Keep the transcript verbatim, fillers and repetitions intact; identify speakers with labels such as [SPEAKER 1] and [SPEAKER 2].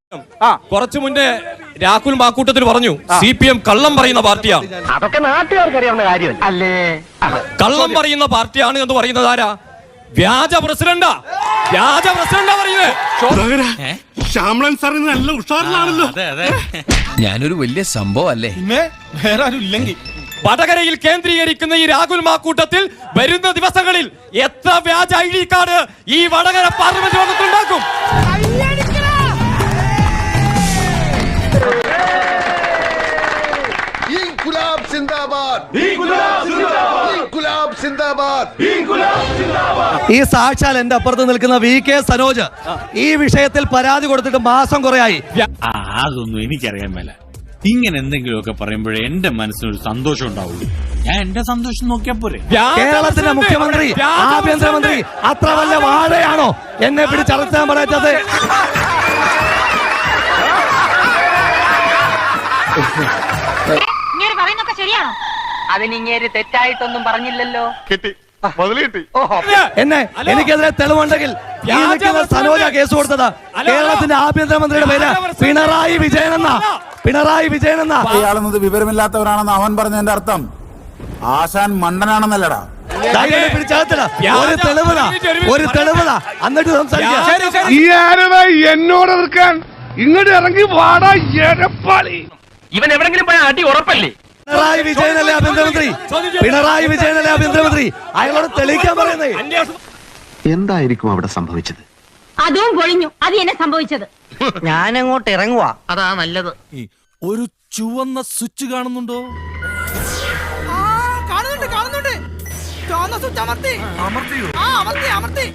[SPEAKER 1] കുറച്ചു മുന്നേ രാഹുൽ മാക്കൂട്ടത്തിൽ പറഞ്ഞു സി പി എം കള്ളം പറയുന്ന പാർട്ടിയാണ്.
[SPEAKER 2] അതൊക്കെ നാട്ടുകാർക്കറിയാവുന്ന കാര്യം അല്ലേ?
[SPEAKER 1] കള്ളം പറയുന്ന പാർട്ടിയാണ് എന്ന് പറയുന്നത് ആരാ? വ്യാജ പ്രസിഡന്റാ, വ്യാജ പ്രസിഡന്റാ പറയുന്നത്.
[SPEAKER 3] ശ്യാമളൻ സാറിന് നല്ല ഉഷാറിലാണല്ലോ.
[SPEAKER 4] ഞാനൊരു വലിയ സംഭവം അല്ലേ?
[SPEAKER 3] വേറെ ആരും ഇല്ലെങ്കിൽ
[SPEAKER 1] വടകരയിൽ കേന്ദ്രീകരിക്കുന്ന ഈ രാഹുൽ മാക്കൂട്ടത്തിൽ വരുന്ന ദിവസങ്ങളിൽ എത്ര വ്യാജ ഐ ഡി കാർഡ് ഈ വടകര പാർലമെന്റ് യോഗത്തിലുണ്ടാക്കും?
[SPEAKER 5] ഈ സാക്ഷാൽ എന്റെ അപ്പുറത്ത് നിൽക്കുന്ന വി കെ സനോജ് ഈ വിഷയത്തിൽ പരാതി കൊടുത്തിട്ട് മാസം കുറയായി.
[SPEAKER 6] അതൊന്നും എനിക്കറിയാൻ മേല. ഇങ്ങനെ എന്തെങ്കിലുമൊക്കെ പറയുമ്പോഴേ എന്റെ മനസ്സിനൊരു സന്തോഷം ഉണ്ടാവുള്ളൂ. ഞാൻ എന്റെ സന്തോഷം നോക്കിയാ പോരെ.
[SPEAKER 5] കേരളത്തിന്റെ മുഖ്യമന്ത്രി, ആഭ്യന്തരമന്ത്രി അത്ര വല്ല വാഴയാണോ എന്നെ പിടിച്ചടച്ചാൻ പറയത്തത്?
[SPEAKER 7] ശരിയാണോ?
[SPEAKER 2] അതിനിങ്ങേര് തെറ്റായിട്ടൊന്നും പറഞ്ഞില്ലല്ലോ.
[SPEAKER 3] കിട്ടി, മുതല് കിട്ടി.
[SPEAKER 5] എന്നെ എനിക്കെതിരെ തെളിവുണ്ടെങ്കിൽ ഈ നിൽക്കുന്ന സനോജ കേസ് കൊടുത്തത് കേരളത്തിന്റെ ആഭ്യന്തരമന്ത്രിയുടെ പേര് പിണറായി വിജയൻ എന്ന പിണറായി വിജയൻ എന്ന
[SPEAKER 8] ഇയാളെന്നത് വിവരമില്ലാത്തവരാണെന്ന് അവൻ പറഞ്ഞതിന്റെ അർത്ഥം ആശാൻ മണ്ടനാണെന്നല്ലടാ.
[SPEAKER 5] പിടിച്ചകത്തില്ല. ഒരു തെളിവുതാ, ഒരു തെളിവുതാ, എന്നിട്ട് സംസാരിക്കാം.
[SPEAKER 3] ഈ ആരതാ എന്നോട് എതിർക്കാൻ? ഇങ്ങോട്ട് ഇറങ്ങി വാടാ എരപ്പാളി.
[SPEAKER 2] ഇവൻ എവിടെങ്കിലും പോയ അടി ഉറപ്പല്ലേ?
[SPEAKER 5] പിണറായി വിജയനല്ലേ ആഭ്യന്തരമന്ത്രി? പിണറായി വിജയനല്ലേ ആഭ്യന്തരമന്ത്രി? അയാളോട് തെളിയിക്കാൻ പറയുന്നേ.
[SPEAKER 9] എന്തായിരിക്കും അവിടെ സംഭവിച്ചത്?
[SPEAKER 7] അതും പൊളിഞ്ഞു. അത് എന്നെ സംഭവിച്ചത്.
[SPEAKER 2] ഞാൻ അങ്ങോട്ട് ഇറങ്ങുവാ, അതാ നല്ലത്.
[SPEAKER 4] ഒരു ചുവന്ന സ്വിച്ച് കാണുന്നുണ്ടോ?
[SPEAKER 10] കാണുന്നുണ്ട്, കാണുന്നുണ്ട്. ചുവന്ന സ്വിച്ച് അമർത്തി. അമർത്തിയോ? ആ, അമർത്തി, അമർത്തി.